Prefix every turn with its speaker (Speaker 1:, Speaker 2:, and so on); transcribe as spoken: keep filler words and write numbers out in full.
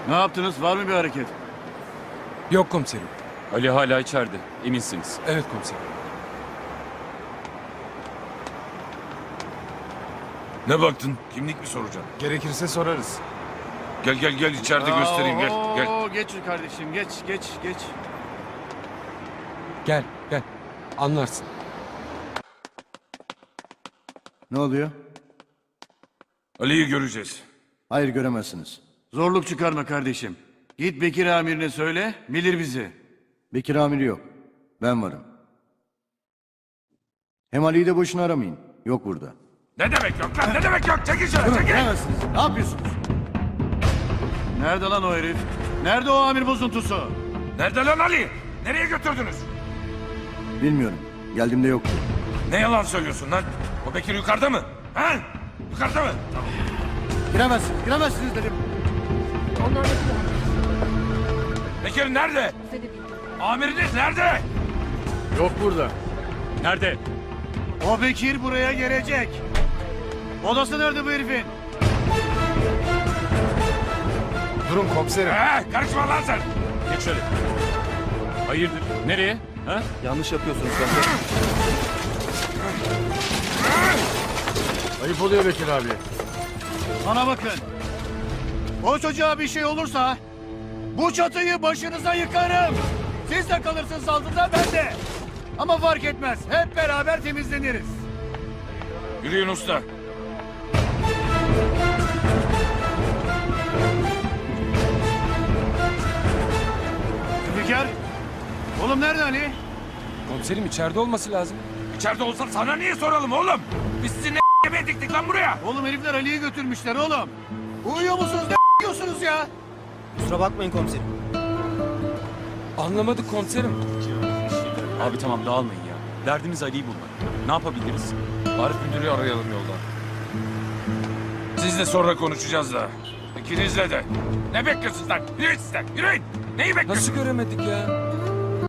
Speaker 1: Ne yaptınız? Var mı bir hareket?
Speaker 2: Yok komiserim.
Speaker 3: Ali hala içeride. Eminsiniz.
Speaker 2: Evet komiserim.
Speaker 4: Ne baktın? Kimlik mi soracaksın?
Speaker 2: Gerekirse sorarız.
Speaker 4: Gel gel gel içeride göstereyim gel gel.
Speaker 1: Oo, geç kardeşim geç geç geç.
Speaker 2: Gel gel. Anlarsın.
Speaker 5: Ne oluyor?
Speaker 4: Ali'yi göreceğiz.
Speaker 5: Hayır göremezsiniz.
Speaker 1: Zorluk çıkarma kardeşim. Git Bekir amirine söyle, bilir bizi.
Speaker 5: Bekir amiri yok. Ben varım. Hem Ali'yi de boşuna aramayın. Yok burada.
Speaker 4: Ne demek yok lan ne demek yok çekil şöyle
Speaker 5: Durun
Speaker 4: çekil.
Speaker 5: göremezsiniz. Ne yapıyorsunuz?
Speaker 1: Nerede lan o herif? Nerede o amir bozuntusu?
Speaker 4: Nerede lan Ali? Nereye götürdünüz?
Speaker 5: Bilmiyorum. Geldiğimde yoktu.
Speaker 4: Ne yalan söylüyorsun lan? O Bekir yukarıda mı? Ha? Yukarıda mı? Tamam.
Speaker 5: Giremezsiniz. Giremezsiniz dedim.
Speaker 6: Onlar da
Speaker 4: Bekir nerede? Amiriniz nerede?
Speaker 1: Yok burada.
Speaker 3: Nerede?
Speaker 1: O Bekir buraya gelecek. Odası nerede bu herifin?
Speaker 2: Durun komiserim.
Speaker 4: Ha, karışma lan sen.
Speaker 3: Geç şöyle. Hayırdır? Nereye? Ha?
Speaker 1: Yanlış yapıyorsunuz zaten. Ayıp oluyor Bekir abi. Bana bakın. O çocuğa bir şey olursa bu çatıyı başınıza yıkarım. Siz de kalırsınız altında ben de. Ama fark etmez. Hep beraber temizleniriz.
Speaker 4: Yürüyün usta.
Speaker 1: Zülfikar. Oğlum nerede Ali?
Speaker 2: Komiserim içeride olması lazım.
Speaker 4: İçeride olsa sana niye soralım oğlum? Biz sizi ne yemeğe diktik lan buraya?
Speaker 1: Oğlum herifler Ali'yi götürmüşler oğlum. Uyuyor musunuz ne diyorsunuz ya?
Speaker 7: Kusura bakmayın komiserim.
Speaker 2: Anlamadık komiserim.
Speaker 3: Abi tamam dağılmayın ya. Derdimiz Ali'yi bulmak. Ne yapabiliriz?
Speaker 4: Arif müdürü arayalım yoldan. Sizle sonra konuşacağız da. İkinizle de. Ne bekliyorsunuz lan? Yürüyün sizden, yürüyün. Neyi bekliyorsunuz?
Speaker 2: Nasıl göremedik ya?